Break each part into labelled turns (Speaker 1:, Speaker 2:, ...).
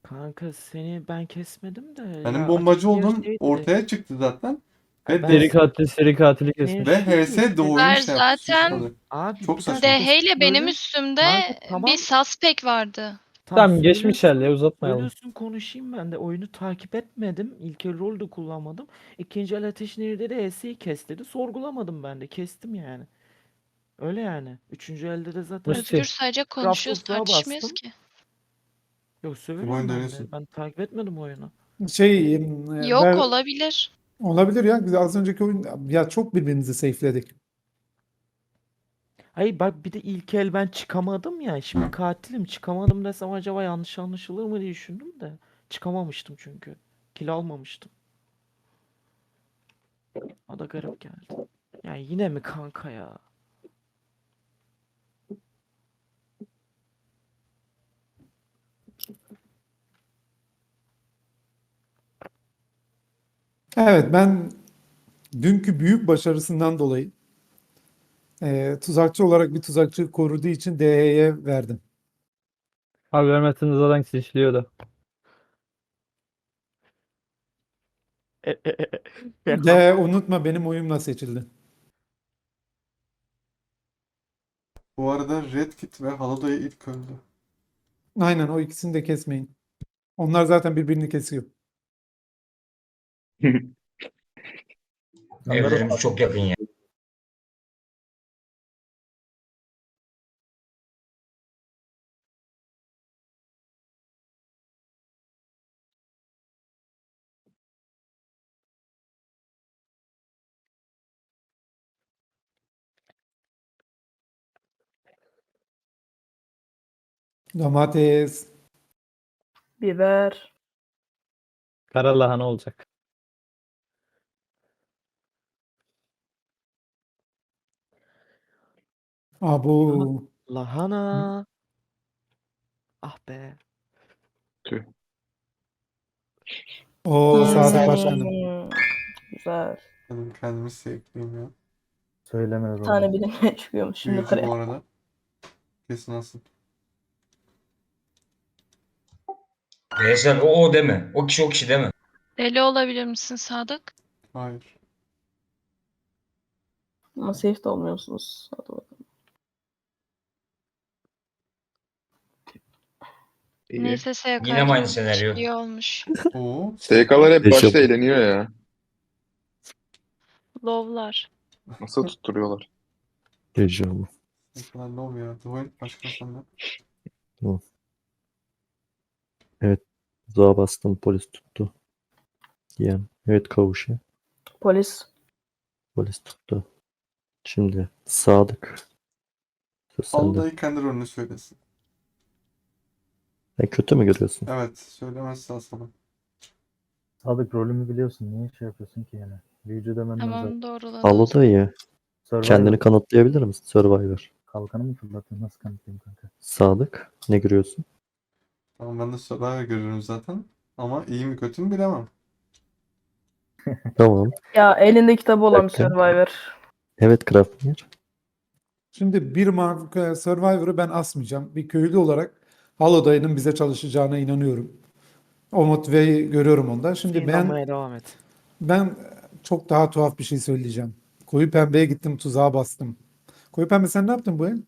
Speaker 1: Kanka seni ben kesmedim de
Speaker 2: Benim
Speaker 1: ya
Speaker 2: bombacı
Speaker 1: açık yer
Speaker 2: olduğum
Speaker 1: şeydi.
Speaker 2: ortaya çıktı zaten. Ve
Speaker 1: Ben
Speaker 3: Seri katili
Speaker 1: senin
Speaker 3: kesmiş.
Speaker 2: ve
Speaker 1: şey
Speaker 2: HS doğruyu
Speaker 4: Ver
Speaker 2: şey yaptı,
Speaker 4: zaten
Speaker 2: suçladı.
Speaker 1: abi
Speaker 2: Çok
Speaker 1: bir dakika
Speaker 2: saçma.
Speaker 4: DH ile benim
Speaker 1: söyle.
Speaker 4: üstümde
Speaker 1: Kanka
Speaker 4: bir
Speaker 1: tamam.
Speaker 4: suspect vardı.
Speaker 3: Tamam geçmiş
Speaker 1: Söylüyorsun.
Speaker 3: hal ya, uzatmayalım.
Speaker 1: Söylüyorsun konuşayım ben de oyunu takip etmedim. İlk el rol de kullanmadım. İkinci el ateş nerede de S'yi kes dedi. Sorgulamadım ben de kestim yani. Öyle yani. Üçüncü elde de zaten
Speaker 3: Musti.
Speaker 4: Özgür sadece konuşuyoruz,
Speaker 1: Kraftsızlığa
Speaker 4: tartışmıyoruz
Speaker 1: bastım.
Speaker 4: ki.
Speaker 1: Yok
Speaker 2: Bu oyun
Speaker 1: söylüyorum ben
Speaker 2: dönüyorsun.
Speaker 1: de. Ben takip etmedim oyunu.
Speaker 4: Yok, olabilir.
Speaker 5: Olabilir ya. Biz az önceki oyun ya çok birbirimizi safe'ledik.
Speaker 1: Hayır bak bir de ilk el ben çıkamadım ya. Şimdi katilim çıkamadım desem acaba yanlış anlaşılır mı diye düşündüm de. Çıkamamıştım çünkü. Kill almamıştım. O da garip geldi. Yani yine mi kanka ya?
Speaker 5: Evet, ben dünkü büyük başarısından dolayı tuzakçı olarak bir tuzakçı koruduğu için DH'ye verdim.
Speaker 3: Abi vermezseniz zaten seçiliyordu.
Speaker 5: DH unutma benim oyumla seçildi.
Speaker 2: Bu arada Red Kit ve Halodoy ilk öldü.
Speaker 5: Aynen, o ikisini de kesmeyin. Onlar zaten birbirini kesiyor.
Speaker 6: Evlerimiz çok yakın ya.
Speaker 5: Domates.
Speaker 7: Biber.
Speaker 3: Kara lahana olacak.
Speaker 5: Abu.
Speaker 1: Lahana. Ah be.
Speaker 5: O Sadık Başkanım.
Speaker 7: Güzel.
Speaker 2: Benim kendimi sevdiğim ya.
Speaker 7: Bir tane bilinmeye çıkıyormuş şimdi
Speaker 2: Büyücü bu
Speaker 7: oraya.
Speaker 2: arada. Kesin asıl.
Speaker 6: Veysel o deme. O kişi o kişi deme.
Speaker 4: Deli olabilir misin Sadık?
Speaker 2: Hayır.
Speaker 7: Ama safe de olmuyorsunuz. Hadi bakalım.
Speaker 4: Neyse
Speaker 6: Yine mi aynı
Speaker 4: SK'cım
Speaker 6: senaryo?
Speaker 4: iyi olmuş.
Speaker 2: Oo.
Speaker 8: SK'lar hep başta eğleniyor ya.
Speaker 4: Lovlar.
Speaker 8: Nasıl tutturuyorlar?
Speaker 9: Heyecanlı.
Speaker 2: Ne kadar love ya. Dwayne başkan senden.
Speaker 9: Evet. Zağa bastım, polis tuttu. Yani evet, kavuşu.
Speaker 7: Polis.
Speaker 9: Polis tuttu. Şimdi Sadık. Söz sende.
Speaker 2: Halodoy kendi rolünü söylesin.
Speaker 9: Sen kötü mü görüyorsun?
Speaker 2: Evet. Söylemezse asalım.
Speaker 10: Sadık rolümü biliyorsun. Niye şey yapıyorsun ki yani? Büyücü demenden zaten.
Speaker 4: Tamam, doğruladı.
Speaker 9: Halo da iyi.
Speaker 10: Survivor.
Speaker 9: Kendini kanıtlayabilir misin? Survivor.
Speaker 10: Kalkanı mı fırlatıyorsun? Nasıl kanıtlayayım kanka?
Speaker 9: Sadık. Ne görüyorsun?
Speaker 2: Tamam, ben de Survivor görüyorum zaten. Ama iyi mi kötü mü bilemem.
Speaker 9: Tamam.
Speaker 7: Ya elinde kitabı olan bir
Speaker 9: Dakika.
Speaker 7: Survivor.
Speaker 9: Evet, Grafnir.
Speaker 5: Şimdi bir Survivor'ı ben asmayacağım. Bir köylü olarak Halodoy'un bize çalışacağına inanıyorum. O motiveyi görüyorum onda. Şimdi
Speaker 1: İnanmaya devam et.
Speaker 5: ben çok daha tuhaf bir şey söyleyeceğim. Koyu pembeye gittim, tuzağa bastım. Koyu pembe sen ne yaptın bu el?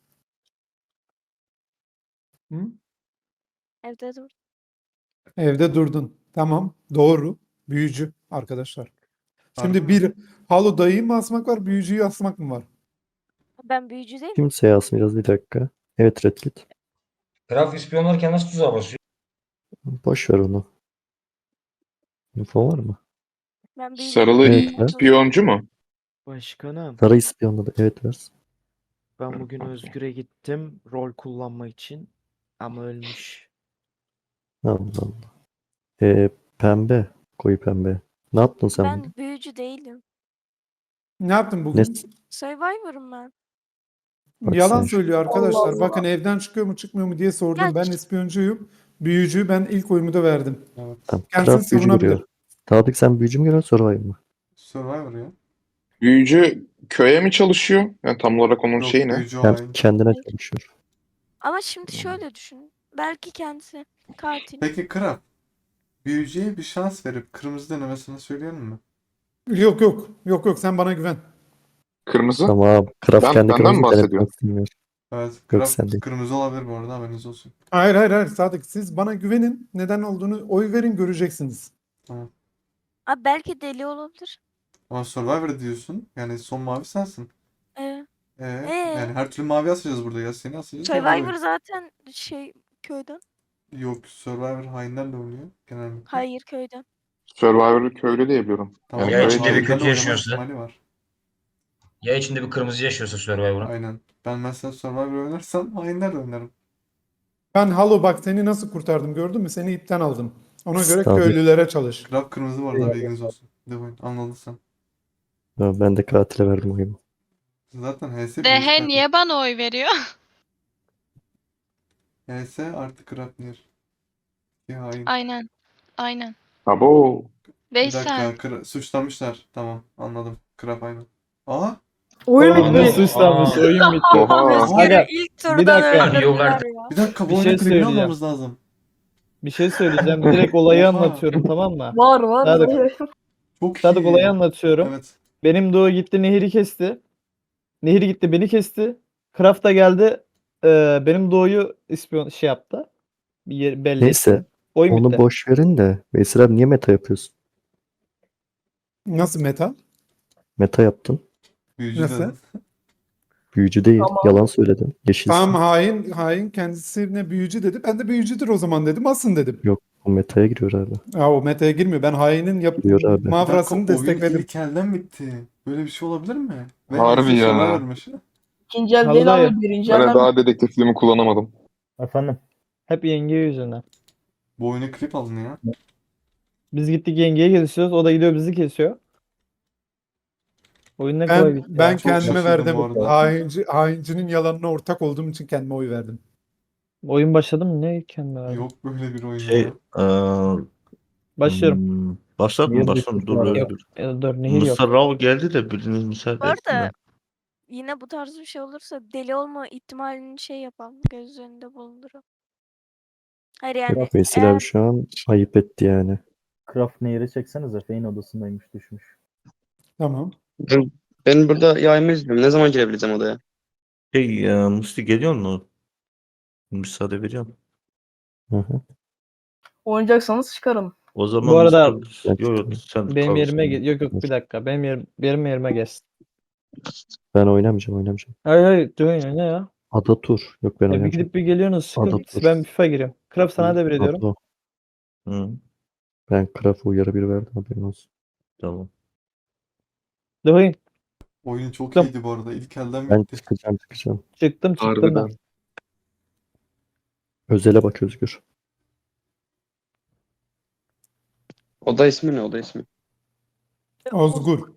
Speaker 5: Hı?
Speaker 11: Evde dur.
Speaker 5: Evde durdun. Tamam. Doğru. Büyücü arkadaşlar. Şimdi
Speaker 2: Harbi mi?
Speaker 5: bir Halodoy'u mu asmak var, büyücüyü asmak mı var?
Speaker 11: Ben büyücü değil miyim?
Speaker 9: Kimseye asmayacağız, bir dakika. Evet, Red Kit.
Speaker 6: Graf ispiyonlarken nasıl tuzağa basıyor?
Speaker 9: Boş ver onu. Info var mı?
Speaker 11: Ben büyücü
Speaker 8: Sarılı
Speaker 9: Evet,
Speaker 11: değilim.
Speaker 8: ispiyoncu mu?
Speaker 1: Başkanım.
Speaker 9: Sarı ispiyonladı. Evet, ver.
Speaker 1: Ben bugün Özgür'e gittim rol kullanma için. Ama ölmüş.
Speaker 9: Allah Allah. Pembe. Koyu pembe. Ne yaptın sen bugün?
Speaker 11: Ben büyücü değilim.
Speaker 5: Ne yaptın
Speaker 9: Ne?
Speaker 5: bugün?
Speaker 11: Survivor'ım ben.
Speaker 9: Bak
Speaker 5: Yalan
Speaker 9: sen.
Speaker 5: söylüyor arkadaşlar.
Speaker 7: Allah Allah.
Speaker 5: Bakın evden çıkıyor mu çıkmıyor mu diye sordum.
Speaker 11: Ya,
Speaker 5: Ben ispiyoncuyum. Büyücüyü ben ilk oyumu da verdim.
Speaker 2: Evet.
Speaker 9: Tamam.
Speaker 5: Kendisini
Speaker 9: Craft büyücü
Speaker 5: savunabilir.
Speaker 9: görüyor. Sadık, sen büyücü mü görüyorsun, Survivor mı?
Speaker 2: Survivor ya.
Speaker 8: Büyücü köye mi çalışıyor? Yani tam olarak onun
Speaker 2: Yok,
Speaker 8: şeyi ne?
Speaker 2: büyücü
Speaker 9: Hem
Speaker 2: hain.
Speaker 9: kendine
Speaker 11: Hayır.
Speaker 9: çalışıyor.
Speaker 11: Ama şimdi şöyle düşün. Belki kendisi Katil.
Speaker 2: Peki Kral, büyücüye bir şans verip kırmızı denemesini söyleyelim mi?
Speaker 5: Yok yok. Yok yok, sen bana güven.
Speaker 8: Kırmızı.
Speaker 9: Tamam. Kraf kendi
Speaker 8: Benden mi
Speaker 9: kırmızı
Speaker 8: bahsediyor?
Speaker 9: denetmek istemiyor.
Speaker 2: Evet,
Speaker 9: Yok
Speaker 2: Kral
Speaker 9: sen değil.
Speaker 2: kırmızı olabilir bu arada, haberiniz olsun.
Speaker 5: Hayır hayır hayır Sadık, siz bana güvenin. Neden olduğunu oy verin, göreceksiniz.
Speaker 2: Tamam.
Speaker 11: Abi belki deli olabilir.
Speaker 2: Ama Survivor diyorsun. Yani son mavi sensin.
Speaker 11: Ee,
Speaker 2: Yani her türlü mavi asacağız burada ya. Seni asacağız. ona
Speaker 11: Survivor
Speaker 2: oy.
Speaker 11: zaten şey köyden.
Speaker 2: Yok, Survivor hainlerle oynuyor genellikle.
Speaker 11: Hayır köyden.
Speaker 8: Survivor'ı köylü diye biliyorum.
Speaker 2: Tamam
Speaker 6: Ya
Speaker 2: da
Speaker 6: içinde bir
Speaker 2: hainlerle
Speaker 6: kötü
Speaker 2: oynama
Speaker 6: yaşıyorsa?
Speaker 2: ihtimali var.
Speaker 6: Ya içinde bir kırmızı yaşıyorsa Survivor'ın.
Speaker 2: Aynen. Ben mesela Survivor oynarsam hainlerle oynarım.
Speaker 5: Ben Halo bak seni nasıl kurtardım, gördün mü? Seni ipten aldım. Ona göre
Speaker 9: Sadık.
Speaker 5: köylülere çalış.
Speaker 2: Kral kırmızı var da bilginiz olsun. Devon, anladın sen.
Speaker 9: Ya ben de katile verdim oyumu.
Speaker 2: Zaten HS birinci
Speaker 4: Dehe
Speaker 2: katil.
Speaker 4: niye bana oy veriyor?
Speaker 2: HS artı Krapnir. Ya hain.
Speaker 4: Aynen. Aynen.
Speaker 8: Abo.
Speaker 2: Bir
Speaker 4: Veysel.
Speaker 2: dakika, suçlamışlar. Tamam, anladım. Krap aynen. Aa,
Speaker 7: Oyun
Speaker 3: Oğlum ne
Speaker 7: bitti.
Speaker 3: suçlanmış, oyun bitti.
Speaker 8: Oha.
Speaker 7: Özgür'ü
Speaker 3: Aga,
Speaker 7: ilk
Speaker 3: bir
Speaker 7: turdan
Speaker 3: dakika.
Speaker 7: öldürdüler
Speaker 6: Artık
Speaker 7: ya.
Speaker 2: bir dakika, bu
Speaker 3: Bir
Speaker 2: oyunun
Speaker 3: şey
Speaker 2: klibini
Speaker 3: söyleyeceğim.
Speaker 2: almamız lazım.
Speaker 3: Bir şey söyleyeceğim. Direkt olayı
Speaker 2: Oha.
Speaker 3: anlatıyorum, tamam mı?
Speaker 7: Var var.
Speaker 3: Sadık.
Speaker 2: Çok
Speaker 3: Sadık
Speaker 2: iyi.
Speaker 3: olayı anlatıyorum.
Speaker 2: Evet.
Speaker 3: Benim Doğu gitti Nehir'i kesti. Nehir gitti beni kesti. Kraft da geldi. Benim Doğu'yu ispiyon şey yaptı. Bir yer belli
Speaker 9: Neyse,
Speaker 3: etti. Oyun
Speaker 9: onu
Speaker 3: bitti.
Speaker 9: boş verin de. Veysel abi niye meta yapıyorsun?
Speaker 5: Nasıl meta?
Speaker 9: Meta yaptın.
Speaker 2: Büyücü
Speaker 5: Nasıl?
Speaker 2: dedin.
Speaker 9: Büyücü değil.
Speaker 7: Tamam.
Speaker 9: Yalan söyledin. Yeşilsin.
Speaker 5: Tamam, hain kendisine büyücü dedi. Ben de büyücüdür o zaman dedim. Asın dedim.
Speaker 9: Yok, o metaya giriyor abi.
Speaker 5: Ya o metaya girmiyor. Ben hainin
Speaker 9: Giriyor abi.
Speaker 2: Bir
Speaker 5: mavrasını
Speaker 2: dakika, oyun
Speaker 5: destekledim.
Speaker 2: ilk elden bitti. Böyle bir şey olabilir mi? Ve
Speaker 8: Harbi
Speaker 2: HS
Speaker 8: ya.
Speaker 2: Survivor'mış.
Speaker 7: İkinci el
Speaker 3: Halı
Speaker 7: değil
Speaker 3: dayı.
Speaker 7: abi. Birinci
Speaker 8: Ben de
Speaker 7: elden
Speaker 8: daha dedektifliğimi kullanamadım.
Speaker 10: Efendim.
Speaker 3: Hep yenge yüzünden.
Speaker 2: Bu oyuna klip alın ya.
Speaker 3: Biz gittik yengeye kesiyoruz. O da gidiyor bizi kesiyor. Oyun ne kolay bitti
Speaker 5: Ben
Speaker 3: ya.
Speaker 2: Çok
Speaker 5: kendime
Speaker 2: şaşırdım
Speaker 5: verdim.
Speaker 2: bu arada.
Speaker 5: Haincinin yalanına ortak olduğum için kendime oy verdim.
Speaker 3: Oyun başladı mı? Ne kendime verdim?
Speaker 2: Yok böyle bir oyun
Speaker 12: Şey,
Speaker 2: ya.
Speaker 3: Başlıyorum.
Speaker 12: başlat mı?
Speaker 10: Niye
Speaker 12: Başlat mı?
Speaker 10: düştük
Speaker 12: Dur
Speaker 10: bu
Speaker 12: böyle
Speaker 10: arada?
Speaker 3: Yok.
Speaker 12: dur.
Speaker 3: Dur Nehir yok.
Speaker 12: Mısır Rav geldi de biriniz müsaade
Speaker 11: Bu
Speaker 12: etsin
Speaker 11: arada
Speaker 12: de.
Speaker 11: yine bu tarz bir şey olursa deli olma ihtimalini şey yapalım. Göz önünde bulunduralım. Hayır yani
Speaker 9: Veysel
Speaker 11: eğer
Speaker 9: abi şu an ayıp etti yani.
Speaker 10: Craft Nehir'e çeksenize. Fein odasındaymış, düşmüş.
Speaker 5: Tamam.
Speaker 13: Ben burada yayımı izliyorum. Ne zaman girebileceğim odaya?
Speaker 12: Musti geliyor mu? Müsaade veriyorum.
Speaker 9: Hı hı.
Speaker 7: oynayacaksanız çıkarım.
Speaker 12: O zaman
Speaker 3: Bu arada
Speaker 12: Mustafa, yok sen
Speaker 3: benim
Speaker 12: kal
Speaker 3: yerime
Speaker 12: sen.
Speaker 3: yok bir dakika. Benim yerime gelsin.
Speaker 9: Ben oynamayacağım.
Speaker 3: Hayır hayır dur ne ya?
Speaker 9: Ada tur. Yok ben
Speaker 3: Ya bir
Speaker 9: oynamayacağım.
Speaker 3: gidip bir geliyorsunuz
Speaker 9: Ada
Speaker 3: sıkıntı.
Speaker 9: tur.
Speaker 3: Ben FIFA giriyorum. Kraft sana devrediyorum.
Speaker 9: Ablo.
Speaker 12: Hı,
Speaker 9: Ben Kraf'a uyarı bir verdim, haberin olsun.
Speaker 12: tamam.
Speaker 3: Dur
Speaker 2: Oyun çok
Speaker 3: Tamam.
Speaker 2: iyiydi bu arada. İlk elden
Speaker 9: Ben
Speaker 2: bitti.
Speaker 9: çıkacağım.
Speaker 3: çıktım ben.
Speaker 13: Harbiden.
Speaker 9: Özele bak Özgür.
Speaker 13: Oda ismi ne? Oda ismi.
Speaker 5: Ozgur.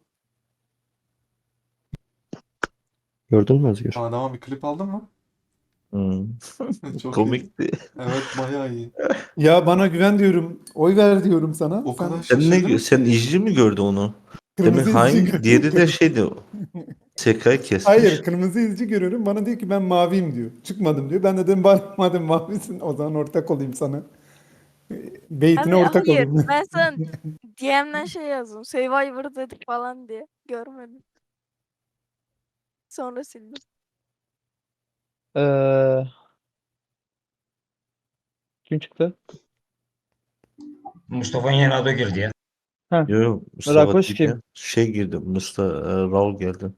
Speaker 9: Gördün mü Özgür?
Speaker 2: Adama bir klip aldın mı?
Speaker 12: Hı.
Speaker 2: Çok iyi.
Speaker 12: Komikti.
Speaker 2: Evet, bayağı iyi.
Speaker 5: Ya bana güven diyorum. Oy ver diyorum sana.
Speaker 2: O kadar
Speaker 12: Sen
Speaker 2: şaşırdım
Speaker 12: sen
Speaker 2: ki.
Speaker 12: izci mi gördü onu? Demin
Speaker 5: Kırmızı izci
Speaker 12: hain,
Speaker 5: görüyorum.
Speaker 12: diğeri de şeydi. Sekay kesmiş.
Speaker 5: Hayır, kırmızı izci görüyorum. Bana diyor ki ben maviyim diyor. Çıkmadım diyor. Ben de dedim bana madem mavisin o zaman ortak olayım sana. Beytine
Speaker 11: abi
Speaker 5: ortak
Speaker 11: hayır
Speaker 5: olayım.
Speaker 11: ben sana DM'den şey yazdım. Survivor dedik falan diye. Görmedim. Sonra sildim.
Speaker 3: Kim çıktı?
Speaker 6: Mustafa'nın yerine Ado girdi ya.
Speaker 12: Yok, Mustafa
Speaker 3: Rakoş
Speaker 12: değil
Speaker 3: kim?
Speaker 12: ya. Şey girdi. Raul geldi.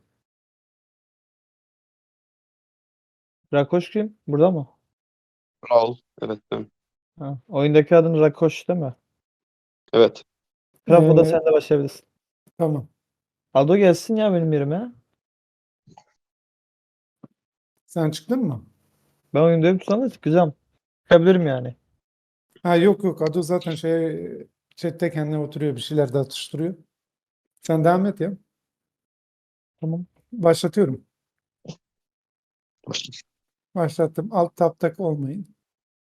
Speaker 3: Rakoş kim? Burada mı?
Speaker 13: Raul. Evet ben.
Speaker 3: Ha. Oyundaki adın Rakoş değil mi?
Speaker 13: Evet.
Speaker 3: Kraft o da sen de başlayabilirsin.
Speaker 5: Tamam.
Speaker 3: Aldo gelsin ya benim yerime.
Speaker 5: Sen çıktın mı?
Speaker 3: Ben oyundayım sana çıkacağım. Çıkabilirim yani.
Speaker 5: Ha yok yok. Ado zaten chatte kendine oturuyor. Bir şeyler de atıştırıyor. Sen devam et ya.
Speaker 3: Tamam.
Speaker 5: Başlatıyorum. Başlattım. Alt taptak olmayın.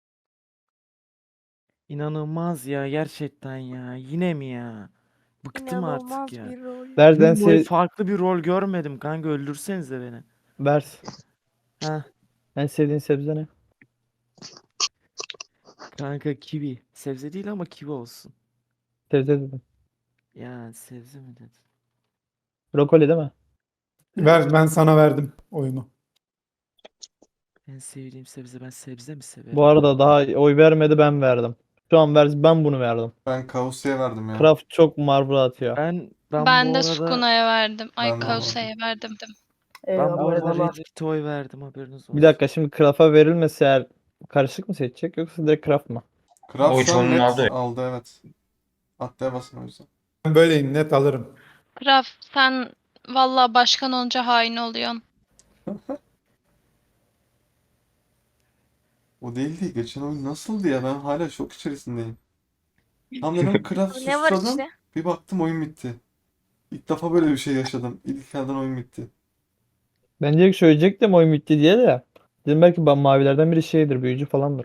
Speaker 1: İnanılmaz ya gerçekten ya. Yine mi ya? Bıktım artık
Speaker 11: İnanılmaz
Speaker 1: ya.
Speaker 11: bir rol.
Speaker 3: Nereden
Speaker 1: Gün boyu farklı bir rol görmedim kanka, öldürsenize beni.
Speaker 3: Vers.
Speaker 1: Ha
Speaker 3: En sevdiğin sebze ne?
Speaker 1: Kanka kivi. Sebze değil ama kivi olsun.
Speaker 3: Sebze dedim.
Speaker 1: Ya sebze mi dedin?
Speaker 3: Brokoli değil mi?
Speaker 5: Ben sana verdim oyunu.
Speaker 1: En sevdiğim sebze. Ben sebze mi severim?
Speaker 3: Bu arada daha oy vermedi, ben verdim. Şu an ben bunu verdim.
Speaker 2: Ben Kavusya'ya verdim ya.
Speaker 3: Kraft çok marvra atıyor.
Speaker 1: Ben
Speaker 4: Ben
Speaker 1: bu
Speaker 4: de
Speaker 1: arada
Speaker 4: Sukuna'ya verdim. Ay
Speaker 2: Ben de
Speaker 4: Kausa'ya verdim.
Speaker 1: ben bu arada
Speaker 7: Eyvallah.
Speaker 1: Red Kit'e oy verdim, haberiniz olsun.
Speaker 3: Bir dakika, şimdi Kraft'a verilmese eğer karışık mı seçecek yoksa direkt Kraft mı?
Speaker 2: Kraft
Speaker 6: Oy
Speaker 2: şu an
Speaker 6: çoğunluğunu
Speaker 2: net
Speaker 6: aldı.
Speaker 2: aldı, evet. Atlıya basın o yüzden.
Speaker 5: Ben böyleyim, net alırım.
Speaker 4: Kraf sen valla başkan olunca hain oluyorsun.
Speaker 2: O değildi. Geçen oyun nasıldı ya? Ben hala şok içerisindeyim. Tam dedim Kraft
Speaker 11: Ne var
Speaker 2: susladım.
Speaker 11: işte?
Speaker 2: Bir baktım oyun bitti. İlk defa böyle bir şey yaşadım. İlk elden oyun bitti.
Speaker 3: Ben direkt söyleyecektim oyun bitti diye de. Dedim belki mavilerden biri şeydir, büyücü falandır.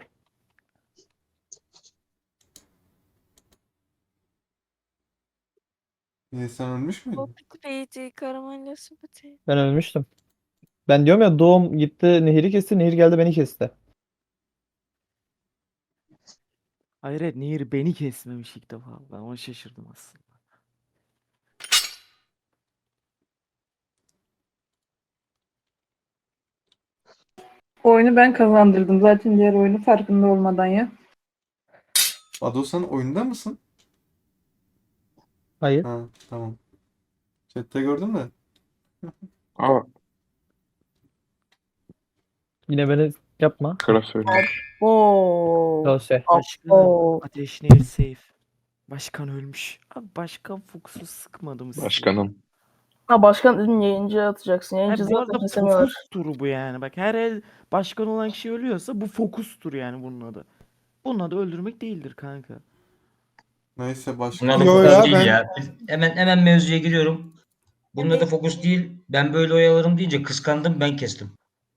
Speaker 2: Niye, sen ölmüş müydün?
Speaker 11: Popit beyti, karamelya sepeti.
Speaker 3: Ben ölmüştüm. Ben diyorum ya, doğum gitti Nehir'i kesti, Nehir geldi beni kesti.
Speaker 1: Hayır, evet, Nehir beni kesmemiş ilk defa. Ben ona şaşırdım aslında.
Speaker 7: Oyunu ben kazandırdım zaten diğer oyunu farkında olmadan ya.
Speaker 2: Ado, sen oyunda mısın?
Speaker 3: Hayır.
Speaker 2: Ha, tamam. Chat'te gördüm de.
Speaker 8: Aa,
Speaker 3: Yine beni yapma.
Speaker 8: Kraft söylüyor.
Speaker 7: Oo.
Speaker 3: Dosya.
Speaker 1: Başkanım, Ateş Nehir safe. Başkan ölmüş. Abi başkan fokusu sıkmadı mı sizi?
Speaker 8: Başkanım.
Speaker 7: Ha başkan dedim, yayıncı atacaksın.
Speaker 1: Ha,
Speaker 7: Yayıncı
Speaker 1: bu
Speaker 7: zaten
Speaker 1: arada
Speaker 7: kesemiyorlar.
Speaker 1: fokus turu bu yani. Bak, her el başkan olan kişi ölüyorsa bu fokus turu yani bunun adı. Bunun adı öldürmek değildir kanka.
Speaker 2: Neyse,
Speaker 6: Bunun
Speaker 2: başkan.
Speaker 6: adı
Speaker 5: Yo
Speaker 6: fokus
Speaker 5: ya,
Speaker 6: değil
Speaker 5: ben-
Speaker 6: ya. Hemen mevzuya giriyorum. Bunun adı fokus değil. Ben böyle oyalarım deyince kıskandım, ben kestim.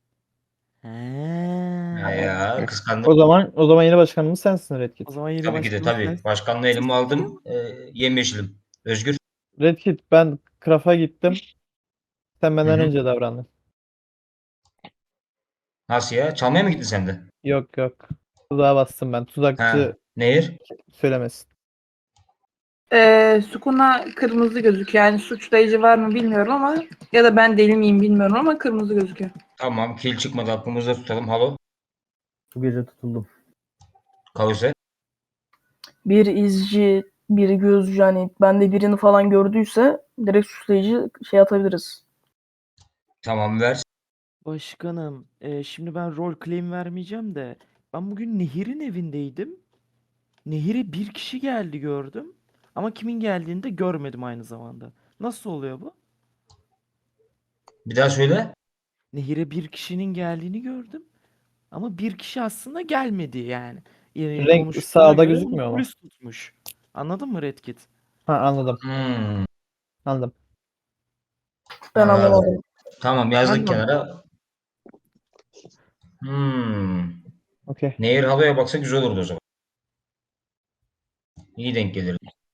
Speaker 6: Ya kıskandım.
Speaker 3: O zaman yeni başkanımız sensin Red Kit.
Speaker 1: O zaman yeni
Speaker 6: Tabii ki de
Speaker 1: başkanımız
Speaker 6: tabii.
Speaker 1: sensin.
Speaker 6: Başkanlığı elime aldım. Yemyeşilim. Özgür.
Speaker 3: Red Kit, ben Kraft'a gittim. Sen benden
Speaker 6: Hı hı.
Speaker 3: önce davrandın.
Speaker 6: Nasıl ya? Çalmaya mı gittin sen de?
Speaker 3: Yok yok. Tuzağa bastım ben.
Speaker 6: Ha.
Speaker 3: Tuzakçı
Speaker 6: Nehir?
Speaker 3: söylemesin.
Speaker 7: Sukuna kırmızı gözüküyor. Yani suçlayıcı var mı bilmiyorum ama ya da ben deli miyim bilmiyorum ama kırmızı gözüküyor.
Speaker 6: Tamam. Kil çıkmadı. Aklımızda tutalım. Halo.
Speaker 10: Bu gece tutuldum.
Speaker 6: Kavuse.
Speaker 7: Bir izci, biri gözcü, yani ben de birini falan gördüyse direkt suçlayıcı şey atabiliriz.
Speaker 6: Tamam, ver.
Speaker 1: Başkanım, şimdi ben rol claim vermeyeceğim de ben bugün Nehir'in evindeydim. Nehir'e bir kişi geldi gördüm. Ama kimin geldiğini de görmedim aynı zamanda. Nasıl oluyor bu?
Speaker 6: Bir daha söyle.
Speaker 1: Nehir'e bir kişinin geldiğini gördüm. Ama bir kişi aslında gelmedi yani.
Speaker 3: Renk
Speaker 1: Konuşmalara
Speaker 3: sağda
Speaker 1: göre
Speaker 3: gözükmüyor
Speaker 1: onu
Speaker 3: mu?
Speaker 1: polis tutmuş. Anladın mı Red Kit?
Speaker 3: Ha, anladım.
Speaker 6: Hmm.
Speaker 3: Anladım.
Speaker 7: Ben
Speaker 6: Anladım.
Speaker 7: anlamadım.
Speaker 6: Tamam, yazdık
Speaker 1: Ben de
Speaker 6: kenara.
Speaker 3: Okey.
Speaker 6: Nehir haloya baksa güzel olurdu o zaman. İyi denk gelir.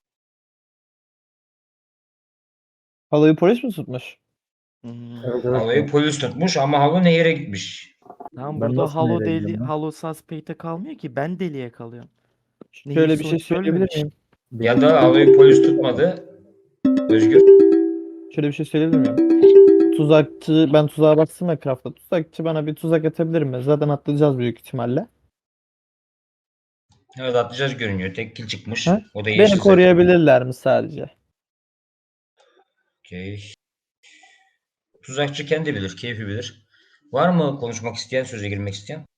Speaker 3: Haloyu polis mi tutmuş?
Speaker 10: Evet evet.
Speaker 6: Haloyu polis tutmuş ama halo Nehir'e gitmiş.
Speaker 1: Tamam,
Speaker 10: Ben
Speaker 1: burada
Speaker 10: nasıl
Speaker 1: Halo
Speaker 10: nereye
Speaker 1: deli,
Speaker 10: gideceğim lan?
Speaker 1: Halo suspect'e kalmıyor ki, ben deliye kalıyorum. Nehir
Speaker 3: Şöyle bir şey
Speaker 1: sonuçta
Speaker 3: söyleyebilir
Speaker 1: ölmemiş.
Speaker 3: miyim?
Speaker 6: Ya da haloyu polis tutmadı. Özgür.
Speaker 3: Şöyle bir şey söyleyebilir miyim? Ben tuzağa baktım ya Craft'ta. Tuzakçı bana bir tuzak atabilir mi? Zaten atlayacağız büyük ihtimalle.
Speaker 6: Evet, atlayacağız görünüyor. Tek kill çıkmış.
Speaker 3: Ha?
Speaker 6: O da
Speaker 3: Beni
Speaker 6: yeşil zaten.
Speaker 3: koruyabilirler mi sadece?
Speaker 6: Okey. Tuzakçı kendi bilir, keyfi bilir. Var mı konuşmak isteyen, söze girmek isteyen?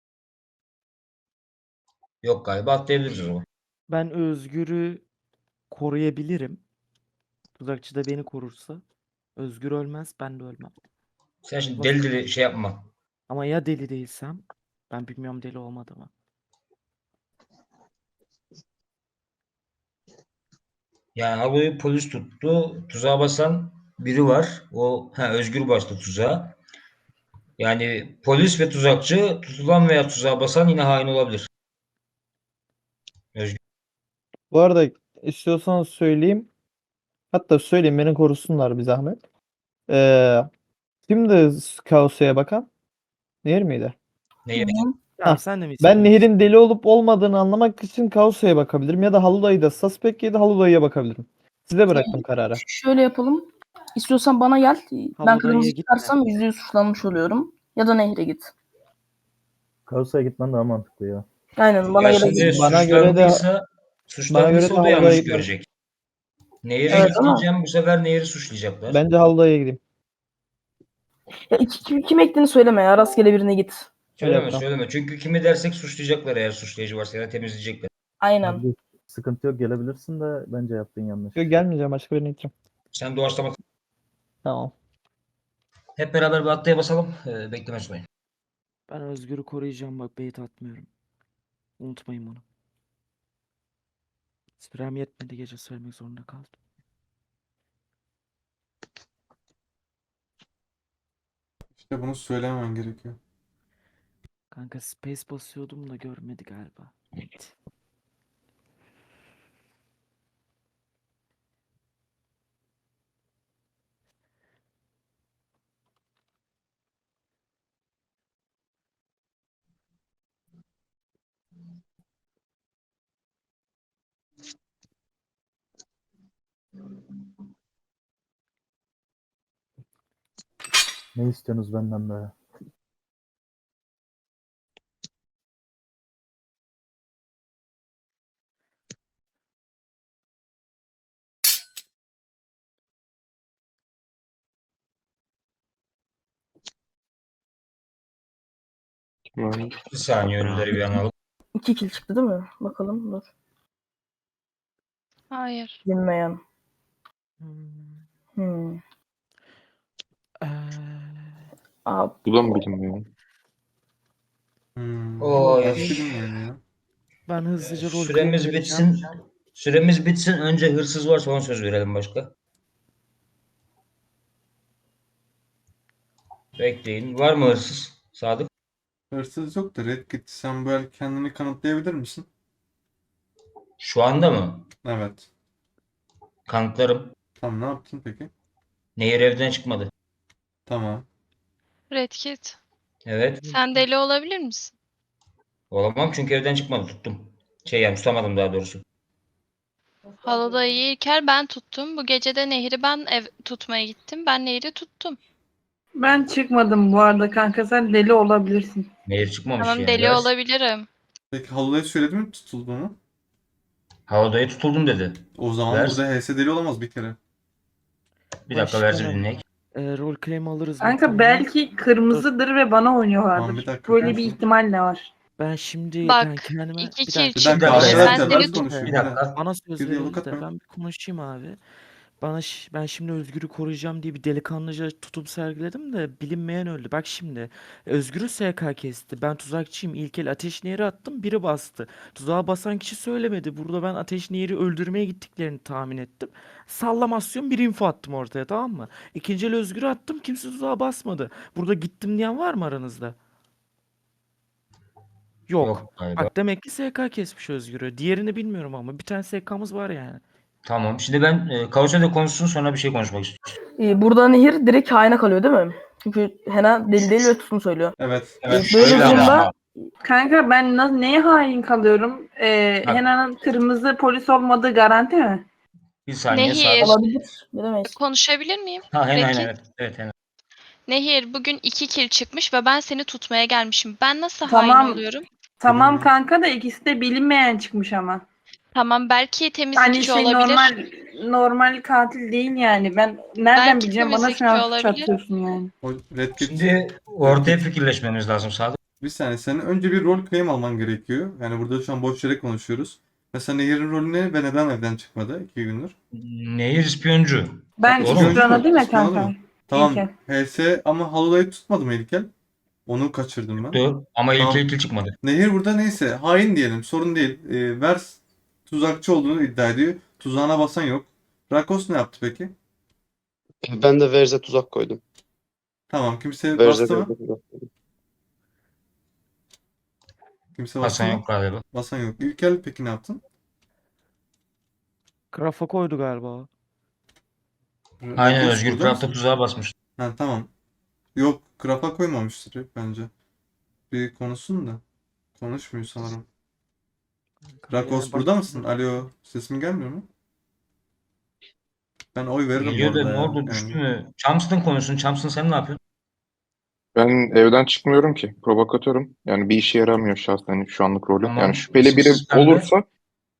Speaker 6: Yok galiba, atlayabiliriz o zaman.
Speaker 1: Ben Özgür'ü koruyabilirim. Tuzakçı da beni korursa. Özgür ölmez, ben de ölmem.
Speaker 6: Sen şimdi
Speaker 1: Nasıl?
Speaker 6: deli şey yapma.
Speaker 1: Ama ya deli değilsem? Ben bilmiyorum deli olmadığımı.
Speaker 6: Yani haloyu polis tuttu. Tuzağa basan biri var. Özgür bastı tuzağa. Yani polis ve tuzakçı, tutulan veya tuzağa basan yine hain olabilir. Özgür.
Speaker 3: Bu arada istiyorsanız söyleyeyim. Hatta söyleyeyim, beni korusunlar bir zahmet. Kimdi Kaos'a bakan? Nehir miydi?
Speaker 6: Nehir.
Speaker 1: Tamam
Speaker 3: Hah,
Speaker 1: sen de mi
Speaker 3: Ben
Speaker 1: istiyorsun?
Speaker 3: Nehir'in deli olup olmadığını anlamak için Kaosa'ya bakabilirim ya da Haludayı da suspect ya da Haludayı'ya bakabilirim. Size bıraktım kararı.
Speaker 7: Şöyle yapalım. İstiyorsan bana gel. Ben
Speaker 1: Haludayı'ya
Speaker 7: kırmızı
Speaker 1: gitme.
Speaker 7: çıkarsam %100 suçlanmış oluyorum. Ya da Nehir'e git.
Speaker 10: Kaosa'ya gitmen daha mantıklı ya.
Speaker 7: Aynen bana
Speaker 6: Ya
Speaker 7: gelebilir.
Speaker 6: şimdi
Speaker 3: Bana göre de
Speaker 6: suçlandıysa o da
Speaker 3: Haludayı'ya
Speaker 6: yanlış
Speaker 3: gitmem.
Speaker 6: görecek. Nehir'e
Speaker 7: Evet ama
Speaker 6: gitmeyeceğim, bu sefer Nehir'i suçlayacaklar.
Speaker 3: Bence Haludayı'ya gideyim.
Speaker 7: ya kim ektiğini söyleme ya. Rastgele birine git.
Speaker 3: Öyle
Speaker 6: Söyleme
Speaker 3: yapacağım.
Speaker 6: söyleme. Çünkü kimi dersek suçlayacaklar eğer suçlayıcı varsa ya da temizleyecekler.
Speaker 7: Aynen.
Speaker 10: Abi sıkıntı yok, gelebilirsin de bence yaptığın yanlış.
Speaker 3: Yok gelmeyeceğim, başka birine gideceğim.
Speaker 6: Sen doğaçlama.
Speaker 3: Tamam.
Speaker 6: Hep beraber bir atlaya basalım. Bekleme sunayım.
Speaker 1: Ben Özgür'ü koruyacağım bak bait atmıyorum. Unutmayın bunu. Sürem yetmedi gece söylemek zorunda kaldım.
Speaker 2: İşte bunu söylememen gerekiyor.
Speaker 1: Kanka space basıyordum da görmedi galiba.
Speaker 10: Ne istiyorsunuz benden be?
Speaker 6: Bir saniye ölüleri bir analım.
Speaker 7: 2 kill çıktı değil mi? Bakalım dur.
Speaker 4: Hayır.
Speaker 7: Bilinmeyen.
Speaker 1: Hmm.
Speaker 7: Hmm.
Speaker 1: Eee,
Speaker 7: Aa,
Speaker 8: Bu da mı bilinmiyor?
Speaker 6: Oo, ya.
Speaker 2: Nasıl bilinmiyor ya?
Speaker 1: Ben hızlıca rol claim
Speaker 6: Süremiz
Speaker 1: vereceğim.
Speaker 6: bitsin. Süremiz bitsin. Önce hırsız varsa ona söz verelim başka. Bekleyin. Var mı hırsız? Sadık.
Speaker 2: Hırsız yok da Red Kit, sen bu el kendini kanıtlayabilir misin?
Speaker 6: Şu anda mı?
Speaker 2: Evet.
Speaker 6: Kanıtlarım.
Speaker 2: Tamam, ne yaptın peki?
Speaker 6: Nehir evden çıkmadı.
Speaker 2: Tamam.
Speaker 4: Red Kit.
Speaker 6: Evet.
Speaker 4: Sen deli olabilir misin?
Speaker 6: Olamam çünkü evden çıkmadı. Tuttum. Yani tutamadım daha doğrusu.
Speaker 4: Haludayı İlker ben tuttum. Bu gece de Nehir'i ben tutmaya gittim. Ben Nehir'i tuttum.
Speaker 14: Ben çıkmadım bu arada kanka. Sen deli olabilirsin.
Speaker 6: Nehir çıkmamış
Speaker 4: Tamam
Speaker 6: yani.
Speaker 4: deli
Speaker 6: Ders.
Speaker 4: olabilirim.
Speaker 2: Peki Halil'e söyledi mi tutulduğunu?
Speaker 6: Havadaya tutuldum dedi.
Speaker 2: O zaman
Speaker 6: Vers.
Speaker 2: burada HS deli olamaz bir kere.
Speaker 6: Bir dakika versi bir
Speaker 1: Başkanım,
Speaker 6: dinleyek.
Speaker 1: rol claim alırız
Speaker 14: Kanka
Speaker 1: muhtemelen.
Speaker 14: belki kırmızıdır ve bana oynuyorlardır.
Speaker 2: Tamam, bir dakika
Speaker 14: Böyle bir
Speaker 2: konuşalım.
Speaker 14: ihtimal de var.
Speaker 1: Ben şimdi
Speaker 4: Bak,
Speaker 1: ben kendime
Speaker 4: 2
Speaker 1: bir
Speaker 4: kill
Speaker 1: dakika.
Speaker 2: Bir dakika
Speaker 4: çıkmış.
Speaker 6: dakika,
Speaker 4: Sen
Speaker 2: arkadaşlar,
Speaker 4: seni
Speaker 2: ben
Speaker 4: tut.
Speaker 2: konuşayım.
Speaker 6: Bir
Speaker 2: Bir
Speaker 6: dakika.
Speaker 2: dakika.
Speaker 1: Bana söz
Speaker 2: Bir diyalog
Speaker 1: verildi de
Speaker 2: atmayın.
Speaker 1: ben bir konuşayım abi. Ben şimdi Özgür'ü koruyacağım diye bir delikanlıca tutum sergiledim de bilinmeyen öldü. Bak şimdi Özgür'ü SK kesti. Ben tuzakçıyım. İlk el ateş nehri attım. Biri bastı. Tuzağa basan kişi söylemedi. Burada ben ateş nehri öldürmeye gittiklerini tahmin ettim. Sallamasyon bir info attım ortaya, tamam mı? İkinci el Özgür'ü attım. Kimse tuzağa basmadı. Burada gittim diyen var mı aranızda? Yok.
Speaker 6: Yok galiba.
Speaker 1: Bak demek ki SK kesmiş Özgür'ü. Diğerini bilmiyorum ama bir tane SK'mız var yani.
Speaker 6: Tamam. Şimdi ben Kaosa'da konuşsun sonra bir şey konuşmak istiyorum.
Speaker 7: burada Nehir direkt haine kalıyor değil mi? Çünkü Hena deli değil ve tutun söylüyor.
Speaker 2: Evet.
Speaker 6: Evet.
Speaker 7: Böyle
Speaker 6: Şöyle ama.
Speaker 7: durumda
Speaker 14: Kanka ben neye hain kalıyorum?
Speaker 6: Bak.
Speaker 14: Hena'nın kırmızı polis olmadığı garanti mi?
Speaker 6: Bir saniye
Speaker 4: Nehir.
Speaker 6: Sadık.
Speaker 7: olabilir. Bilemeyiz.
Speaker 4: Konuşabilir miyim?
Speaker 6: Ha
Speaker 4: Red
Speaker 6: Hena
Speaker 4: Kit.
Speaker 6: evet. Evet Hena.
Speaker 4: Nehir bugün 2 kill çıkmış ve ben seni tutmaya gelmişim. Ben nasıl
Speaker 14: Tamam.
Speaker 4: hain oluyorum?
Speaker 14: Tamam
Speaker 2: Bilinmeyen.
Speaker 14: kanka da ikisi de bilinmeyen çıkmış ama.
Speaker 4: Tamam belki
Speaker 14: Hani
Speaker 4: temizlikçi olabilir.
Speaker 14: normal katil değil yani. Ben nereden
Speaker 4: Belki
Speaker 14: bileceğim, bana şu
Speaker 4: temizlikçi
Speaker 14: an suç
Speaker 4: olabilir.
Speaker 14: atıyorsun yani.
Speaker 2: O Red Kit.
Speaker 6: Şimdi ortaya fikirleşmemiz lazım Sadık.
Speaker 2: Bir saniye, senin önce bir rol claim alman gerekiyor. Yani burada şu an boş yere konuşuyoruz. Mesela Nehir'in rolü ne ve neden evden çıkmadı 2 gündür?
Speaker 6: Nehir ispiyoncu.
Speaker 14: Ben
Speaker 6: Doğru mu?
Speaker 14: ispiyonladım ya
Speaker 2: İspiyonladı
Speaker 14: kanka.
Speaker 2: mı? Tamam.
Speaker 14: İlker.
Speaker 2: HS ama Halil'i tutmadı mı İlkel? Onu kaçırdım ben.
Speaker 6: Tuttu ama
Speaker 2: Tamam.
Speaker 6: ilk çıkmadı.
Speaker 2: Nehir burada neyse hain diyelim, sorun değil. Vers tuzakçı olduğunu iddia ediyor. Tuzağına basan yok. Rakos ne yaptı peki?
Speaker 13: Ben de Verze tuzak koydum.
Speaker 2: Tamam, kimse
Speaker 13: Verze
Speaker 2: bastı mı?
Speaker 13: tuzak koydum.
Speaker 2: Kimse bastı
Speaker 6: Hasan
Speaker 2: mı?
Speaker 6: yok galiba.
Speaker 2: Basan yok. İlkel peki ne yaptın?
Speaker 1: Krafa koydu galiba.
Speaker 6: Aynen
Speaker 2: Rakos
Speaker 6: Özgür
Speaker 2: burada
Speaker 6: Craft'a
Speaker 2: mısın?
Speaker 6: tuzağa basmış.
Speaker 2: Ha, tamam. Yok, Krafa koymamıştır bence. Bir konuşsun da. Konuşmuyor sanırım.
Speaker 1: Kanka
Speaker 2: Rakos
Speaker 1: yani
Speaker 2: burada
Speaker 1: bak
Speaker 2: mısın? Alo. Sesim gelmiyor mu? Ben oy veririm bu
Speaker 6: Geliyor da
Speaker 2: arada
Speaker 6: ne
Speaker 2: ya.
Speaker 6: oldu düştü
Speaker 2: Yani
Speaker 6: mü? Thompson konuşsun. Thompson sen ne yapıyorsun?
Speaker 8: Ben evden çıkmıyorum ki. Provokatörüm. Yani bir işe yaramıyor şahsen şu anlık rolüm. Yani
Speaker 6: Tamam.
Speaker 8: şüpheli biri
Speaker 6: İsimsiz pembe.
Speaker 8: olursa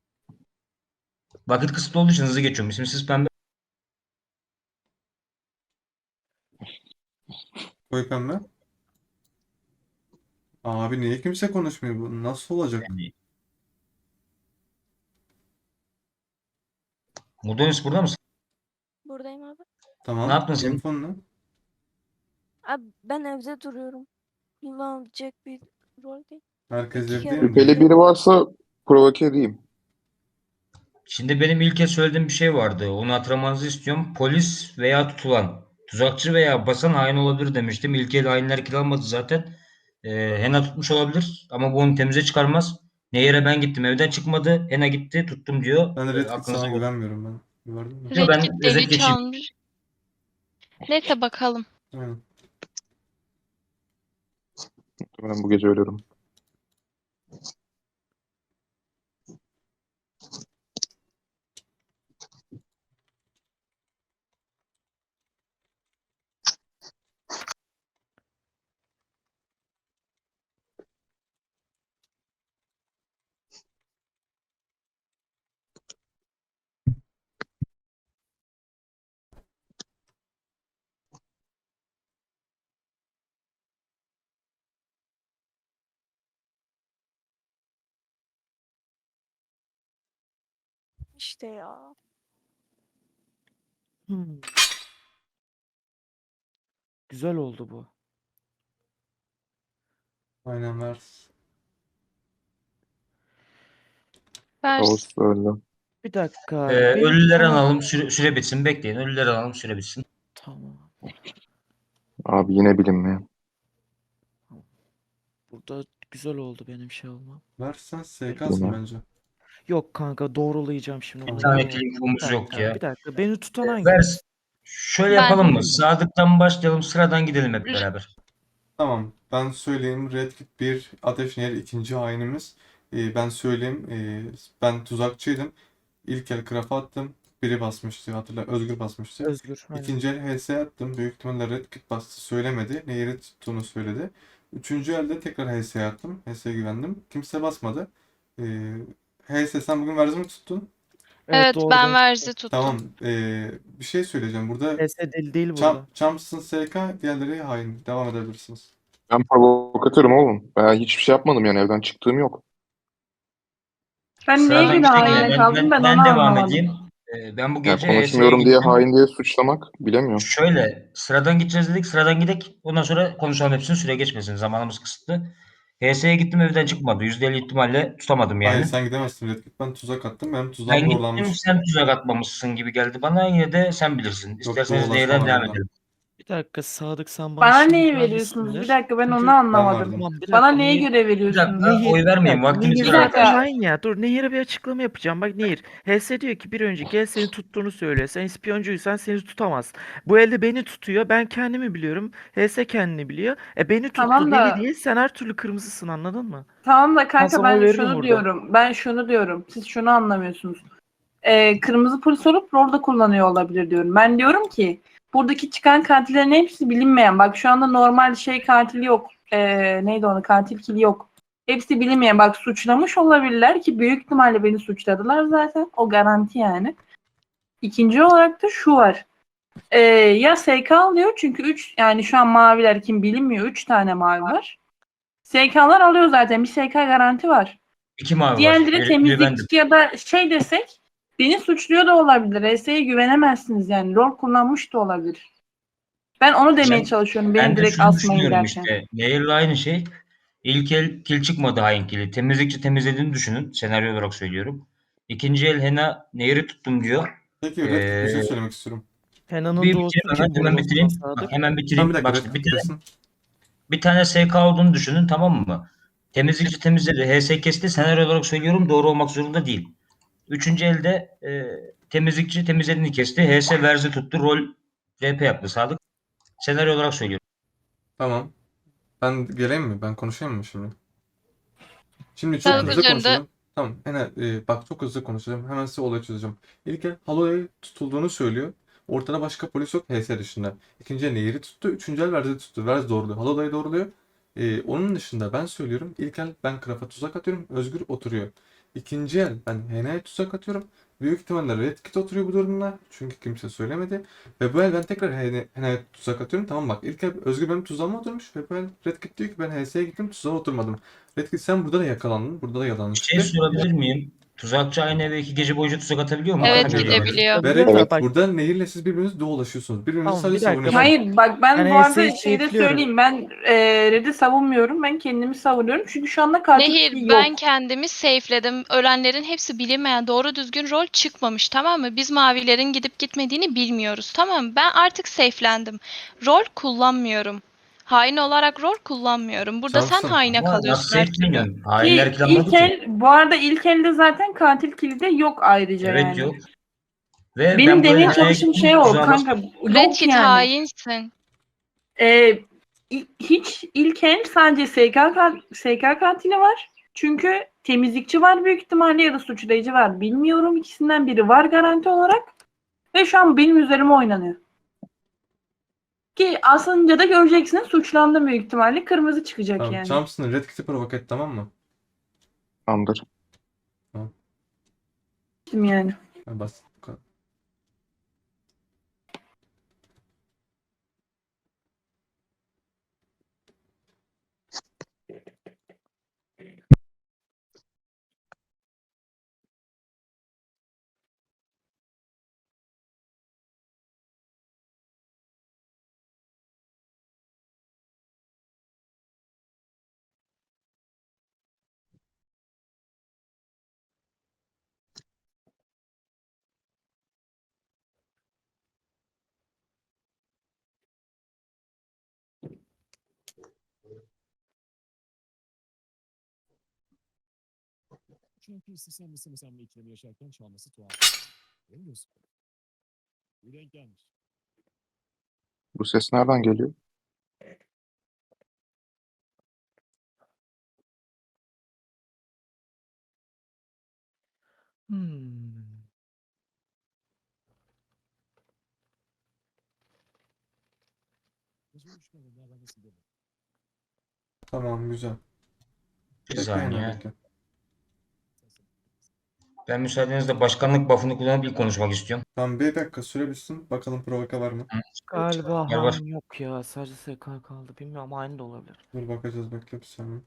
Speaker 6: Vakit kısıtlı olduğu için hızlı geçiyorum. İsimsiz pembe.
Speaker 2: koyu pembe. Abi niye kimse konuşmuyor? Bu nasıl olacak?
Speaker 6: Yani. Mudonis burada mısın?
Speaker 11: Buradayım abi.
Speaker 6: Ne
Speaker 2: Tamam.
Speaker 6: yaptın sen?
Speaker 2: Infon ne?
Speaker 11: Abi ben evde duruyorum. Kullanılacak bir rol değil.
Speaker 2: Herkes
Speaker 11: İki
Speaker 2: evde
Speaker 11: kere
Speaker 2: mi diyor?
Speaker 8: şüpheli biri varsa provoke edeyim.
Speaker 6: Şimdi benim ilk kez söylediğim bir şey vardı. Onu hatırlamanızı istiyorum. Polis veya tutulan, tuzakçı veya basan hain olabilir demiştim. İlk el hainler kiralmadı zaten. Hena tutmuş olabilir ama bu onu temize çıkarmaz. Nehir'e ben gittim evden çıkmadı. Hena gitti tuttum diyor.
Speaker 2: Ben Red Kit
Speaker 6: Aklınızda
Speaker 2: sana
Speaker 6: olsun.
Speaker 2: güvenmiyorum ben. Güvendim mi?
Speaker 6: Yo,
Speaker 4: Red
Speaker 6: ben
Speaker 4: Kit
Speaker 6: özet
Speaker 4: deli
Speaker 6: geçeyim.
Speaker 4: çalmış. Neyse bakalım.
Speaker 2: Aynen.
Speaker 8: Ben bu gece ölürüm.
Speaker 11: İşte ya.
Speaker 1: Hmm, güzel oldu bu.
Speaker 2: Aynen ver.
Speaker 6: Kaos öldü.
Speaker 1: Bir dakika. Beni
Speaker 6: Ölüleri
Speaker 1: tutanak...
Speaker 6: alalım. Süre bitsin. Bekleyin. Ölüleri alalım. Süre bitsin.
Speaker 1: Tamam.
Speaker 8: Abi yine bilinmeyen.
Speaker 1: Burada güzel oldu benim şey olmam.
Speaker 2: Versen SK'sın bence.
Speaker 1: Yok kanka doğrulayacağım şimdi
Speaker 6: Bir
Speaker 1: bunu.
Speaker 6: tane
Speaker 1: Yemin ederim.
Speaker 6: infomuz yok ya.
Speaker 1: Bir dakika. Beni tutan
Speaker 6: Ver.
Speaker 1: hanginiz?
Speaker 6: Şöyle
Speaker 4: Ben.
Speaker 6: yapalım mı? Sadık'tan başlayalım. Sıradan gidelim hep beraber.
Speaker 2: Tamam. Ben söyleyeyim. Red Kit 1, Ateş Nehir ikinci hainimiz. Ben söyleyeyim. Ben tuzakçıydım. İlk el craft'a attım. Biri basmıştı. Hatırla. Özgür basmıştı.
Speaker 1: Özgür. Aynen.
Speaker 2: İkinci el HS attım. Büyük ihtimalle Red Kit bastı. Söylemedi. Nehir'i tuttuğunu söyledi. Üçüncü elde tekrar HS attım. HS'ye güvendim. Kimse basmadı. HS sen bugün verzi mi tuttun?
Speaker 4: Evet
Speaker 1: doğru,
Speaker 4: ben
Speaker 1: ben
Speaker 4: verzi tuttum.
Speaker 2: Tamam. Bir şey söyleyeceğim. Burada
Speaker 1: PS deli değil burada.
Speaker 2: Champs'ın SK, diğerleri hain. Devam edebilirsiniz.
Speaker 8: Ben provokatörüm oğlum. Ben hiçbir şey yapmadım yani evden çıktığım yok.
Speaker 14: Ben neye
Speaker 6: Sıradan
Speaker 14: göre
Speaker 6: gidecek
Speaker 14: haine
Speaker 6: ya.
Speaker 14: kaldım ben
Speaker 6: Ben
Speaker 14: onu
Speaker 6: devam
Speaker 14: anlamadım.
Speaker 6: edeyim. Ben bu
Speaker 8: Yani
Speaker 6: gece HS'ye
Speaker 8: konuşmuyorum diye
Speaker 6: gittim.
Speaker 8: hain diye suçlamak bilemiyorum.
Speaker 6: Şöyle sıradan gideceğiz dedik. Sıradan gidek. Ondan sonra konuşalım hepsini. Süre geçmesin. Zamanımız kısıtlı. HS'ye gittim evden çıkmadı. %50 ihtimalle tutamadım
Speaker 2: Hayır
Speaker 6: yani.
Speaker 2: sen gidemezsin Red Kit. Ben tuzak attım. Benim
Speaker 6: Ben
Speaker 2: tuzağım
Speaker 6: gittim
Speaker 2: doğrulanmış.
Speaker 6: sen tuzak atmamışsın gibi geldi bana. Yine de sen bilirsin.
Speaker 2: Yok
Speaker 6: İsterseniz
Speaker 2: doğrulaşma
Speaker 6: neyden
Speaker 2: var
Speaker 6: devam
Speaker 2: burada.
Speaker 6: edelim.
Speaker 1: Bir dakika Sadık sen bana
Speaker 14: Bana
Speaker 1: şimdi
Speaker 14: neyi
Speaker 1: vermişsindir.
Speaker 14: veriyorsunuz? Bir dakika ben onu
Speaker 1: Çünkü
Speaker 2: Ben
Speaker 14: anlamadım.
Speaker 2: verdim.
Speaker 1: tamam bir
Speaker 14: Bana
Speaker 1: dakika.
Speaker 14: neye göre
Speaker 6: Bir
Speaker 14: veriyorsunuz?
Speaker 6: dakika oy vermeyin.
Speaker 1: Bir
Speaker 6: Vaktimiz
Speaker 1: dakika,
Speaker 6: var
Speaker 14: Bir
Speaker 1: Nehir
Speaker 14: dakika.
Speaker 1: zaten hain ya. Dur Nehir'e bir açıklama yapacağım. Bak Nehir. HS diyor ki bir önceki el seni tuttuğunu söylüyor. Sen ispiyoncuysan seni tutamaz. Bu elde beni tutuyor. Ben kendimi biliyorum. HS kendini biliyor. Beni tuttu
Speaker 14: Tamam
Speaker 1: deli
Speaker 14: da
Speaker 1: değil. Sen her türlü kırmızısın anladın mı?
Speaker 14: tamam da
Speaker 1: Ben
Speaker 14: kanka
Speaker 1: sana
Speaker 14: ben
Speaker 1: veririm
Speaker 14: şunu
Speaker 1: burada.
Speaker 14: diyorum. Ben şunu diyorum. Siz şunu anlamıyorsunuz. Kırmızı polis olup rolde kullanıyor olabilir diyorum. Ben diyorum ki buradaki çıkan katillerin hepsi bilinmeyen. Bak şu anda normal şey katili yok. Neydi onu? Katil kili yok. Hepsi bilinmeyen. Bak suçlamış olabilirler ki büyük ihtimalle beni suçladılar zaten. O garanti yani. İkinci olarak da şu var. Ya SK alıyor çünkü 3 yani şu an maviler kim bilinmiyor. 3 tane mavi var. SK'lar alıyor zaten. Bir SK garanti var.
Speaker 6: 2 mavi var.
Speaker 14: Diğerleri
Speaker 6: Biri bendim.
Speaker 14: temizlikçi ya da şey desek beni suçluyor da olabilir. RS'ye güvenemezsiniz yani. Rol kullanmış da olabilir. Ben onu demeye çalışıyorum.
Speaker 6: Ben
Speaker 14: Beni
Speaker 6: de
Speaker 14: direkt
Speaker 6: şunu
Speaker 14: asmayın
Speaker 6: düşünüyorum
Speaker 14: derken.
Speaker 6: işte. Nehir'le aynı şey. İlk el kil çıkmadı hain kili. Temizlikçi temizlediğini düşünün. Senaryo olarak söylüyorum. İkinci el Hena Nehir'i tuttum diyor.
Speaker 2: Peki Red Kit bir şey söylemek istiyorum.
Speaker 1: Hena'nın
Speaker 6: Bir
Speaker 1: doğusu
Speaker 6: bitireyim
Speaker 1: kim
Speaker 6: hemen, hemen
Speaker 1: burada o zaman
Speaker 6: bitireyim. Bak,
Speaker 1: Sadık?
Speaker 6: hemen
Speaker 2: Tam
Speaker 6: bitireyim.
Speaker 2: bir dakika
Speaker 6: Bak
Speaker 2: Red
Speaker 6: işte
Speaker 2: Kit bitirsin.
Speaker 6: bir tane SK olduğunu düşünün tamam mı? Temizlikçi temizledi. HS kesti. Senaryo olarak söylüyorum. Doğru olmak zorunda değil. Üçüncü elde temizlikçi temizlediğini kesti. HS verzi tuttu. Rol RP yaptı Sadık. Senaryo olarak söylüyorum.
Speaker 2: Tamam. Ben geleyim mi? Ben konuşayım mı şimdi? Şimdi çok
Speaker 4: Kağıt
Speaker 2: hızlı
Speaker 4: üzerinde
Speaker 2: konuşacağım. Tamam. Bak çok hızlı konuşacağım. Hemen size olayı çözeceğim. İlk el Holloway tutulduğunu söylüyor. Ortada başka polis yok HS dışında. İkinci el Nehir'i tuttu. Üçüncü el Verz'i tuttu. Verz doğruluyor. Holloway doğruluyor. Onun dışında ben söylüyorum. İlk el ben Craft'a tuzak atıyorum. Özgür oturuyor. İkinci el ben Hena'ya tuzak atıyorum. Büyük ihtimalle Red Kit oturuyor bu durumda. Çünkü kimse söylemedi. Ve bu el ben tekrar Hena'ya tuzak atıyorum. Tamam bak ilk el Özgür benim tuzağıma oturmuş. Ve bu el Red Kit diyor ki ben HS'ye gittim tuzağa oturmadım. Red Kit sen burada da yakalandın. Burada da yalan
Speaker 6: Bir şey
Speaker 2: çıktı.
Speaker 6: sorabilir miyim? Tuzakçı aynı eve 2 gece boyunca tuzak atabiliyor mu?
Speaker 4: evet
Speaker 6: Atamıyor demek.
Speaker 4: gidebiliyor.
Speaker 2: Ve
Speaker 1: Biliyorum
Speaker 2: Red
Speaker 1: da
Speaker 2: Kit
Speaker 1: bak,
Speaker 2: burada Nehir'le siz birbirinizi dolaşıyorsunuz. Birbirinizi
Speaker 1: tamam
Speaker 2: sadece
Speaker 1: bir dakika
Speaker 2: savunuyorsunuz.
Speaker 14: Hayır bak ben
Speaker 1: Ben
Speaker 14: bu arada
Speaker 1: HS'yi
Speaker 14: şeyde
Speaker 1: safe'liyorum.
Speaker 14: söyleyeyim. Ben Red'i savunmuyorum. Ben kendimi savunuyorum. Çünkü şu anda katil
Speaker 4: Nehir
Speaker 14: kişi
Speaker 4: ben
Speaker 14: yok.
Speaker 4: kendimi safe'ledim. Ölenlerin hepsi bilinmeyen doğru düzgün rol çıkmamış, tamam mı? Biz mavilerin gidip gitmediğini bilmiyoruz, tamam mı? Ben artık safe'lendim. Rol kullanmıyorum. Hain olarak rol kullanmıyorum. Burada sen
Speaker 2: Champion.
Speaker 4: haine
Speaker 6: Ama
Speaker 4: kalıyorsun
Speaker 6: nasıl
Speaker 4: her türlü.
Speaker 6: sevdin? Hainler
Speaker 14: Ki
Speaker 6: kilamadı
Speaker 14: ilk
Speaker 6: ki.
Speaker 14: el bu arada ilk elde zaten katil kilidi yok ayrıca
Speaker 6: Evet
Speaker 14: yani.
Speaker 6: yok. Ve
Speaker 14: Benim
Speaker 6: ben bu
Speaker 14: demeye
Speaker 6: Hena'ya
Speaker 14: çalıştığım
Speaker 6: gittim
Speaker 14: şey o
Speaker 6: tuzağa
Speaker 14: kanka.
Speaker 6: bastım.
Speaker 4: Red
Speaker 14: Yok
Speaker 4: Kit
Speaker 14: yani.
Speaker 4: hainsin.
Speaker 14: Hiç ilk el sadece SK katili var. Çünkü temizlikçi var büyük ihtimalle ya da suçlayıcı var. Bilmiyorum, ikisinden biri var garanti olarak. Ve şu an benim üzerime oynanıyor. Ki aslında da göreceksiniz suçlandım büyük ihtimalle. Kırmızı çıkacak
Speaker 2: Tamam.
Speaker 14: yani.
Speaker 2: Champs'ın Red Kit'i provoke et tamam mı?
Speaker 8: Tamamdır.
Speaker 14: Yani.
Speaker 2: Basit bu kadar.
Speaker 15: Çünkü istemesi senle ikilemi yaşarken çalması tuhaf. Değil mi diyorsun? Bir denk gelmiş.
Speaker 8: Bu ses nereden geliyor?
Speaker 1: Hmm.
Speaker 15: Gece üç kadınlar ben nasıl dedim.
Speaker 2: Tamam güzel.
Speaker 6: Bir
Speaker 2: Bekle
Speaker 6: saniye.
Speaker 2: Hena bekle.
Speaker 6: Ben müsaadenizle başkanlık buff'ını kullanıp ilk konuşmak istiyorum.
Speaker 2: Tamam bir dakika süre bitsin. Bakalım provoke var mı?
Speaker 1: Galiba
Speaker 6: Gel baş-
Speaker 1: hain yok ya. Sadece SK kaldı. Bilmiyorum, hain de olabilir.
Speaker 2: Dur bakacağız bekle bir saniye.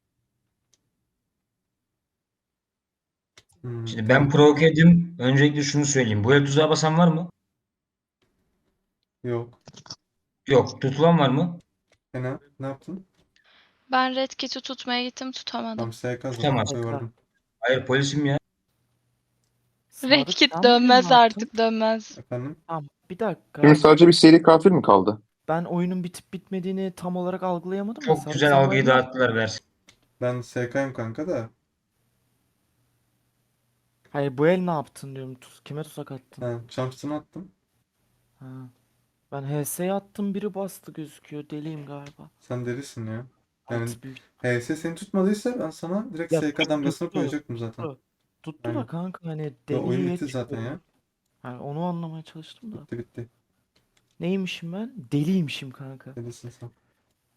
Speaker 6: Şimdi
Speaker 2: Tamam.
Speaker 6: ben provoke edeyim. Öncelikle şunu söyleyeyim. Bu el tuzağa basan var mı?
Speaker 2: Yok.
Speaker 6: Yok. Tutulan var mı?
Speaker 2: Hena ne yaptın?
Speaker 4: Ben Red Kit'i tutmaya gittim, tutamadım.
Speaker 2: Tamam SK zaten
Speaker 6: Tutamaz.
Speaker 2: oy
Speaker 1: SK.
Speaker 2: verdim.
Speaker 6: Hayır polisim ya.
Speaker 4: Red
Speaker 1: Sadık
Speaker 4: Kit
Speaker 1: sen bugün ne
Speaker 4: dönmez
Speaker 1: yaptın?
Speaker 4: artık, dönmez.
Speaker 2: Efendim?
Speaker 1: Tamam bir dakika.
Speaker 8: Şimdi sadece bir seri katil mi kaldı?
Speaker 1: Ben oyunun bitip bitmediğini tam olarak algılayamadım da
Speaker 6: Çok
Speaker 1: Sadık
Speaker 6: güzel
Speaker 1: sen
Speaker 6: algıyı
Speaker 1: bugün ne
Speaker 6: dağıttılar versin.
Speaker 2: Ben SK'yım kanka da.
Speaker 1: Hayır, bu el ne yaptın diyorum. Kime tuzak attın?
Speaker 2: Ha, Champs'ını attım.
Speaker 1: Ha. Ben HS'ye attım, biri bastı gözüküyor. Deliyim galiba.
Speaker 2: Sen delisin ya. Yani
Speaker 1: Alt büyük.
Speaker 2: HS seni tutmadıysa ben sana direkt
Speaker 1: Ya
Speaker 2: SK damgasını
Speaker 1: tuttu.
Speaker 2: koyacaktım zaten.
Speaker 1: Tuttu
Speaker 2: Aynen.
Speaker 1: da kanka hani
Speaker 2: Ve oyun
Speaker 1: deliye
Speaker 2: bitti zaten ya.
Speaker 1: çıkıyor. Yani onu anlamaya çalıştım da.
Speaker 2: Bitti bitti.
Speaker 1: Neymişim ben? Deliymişim kanka.
Speaker 2: Delisin sen.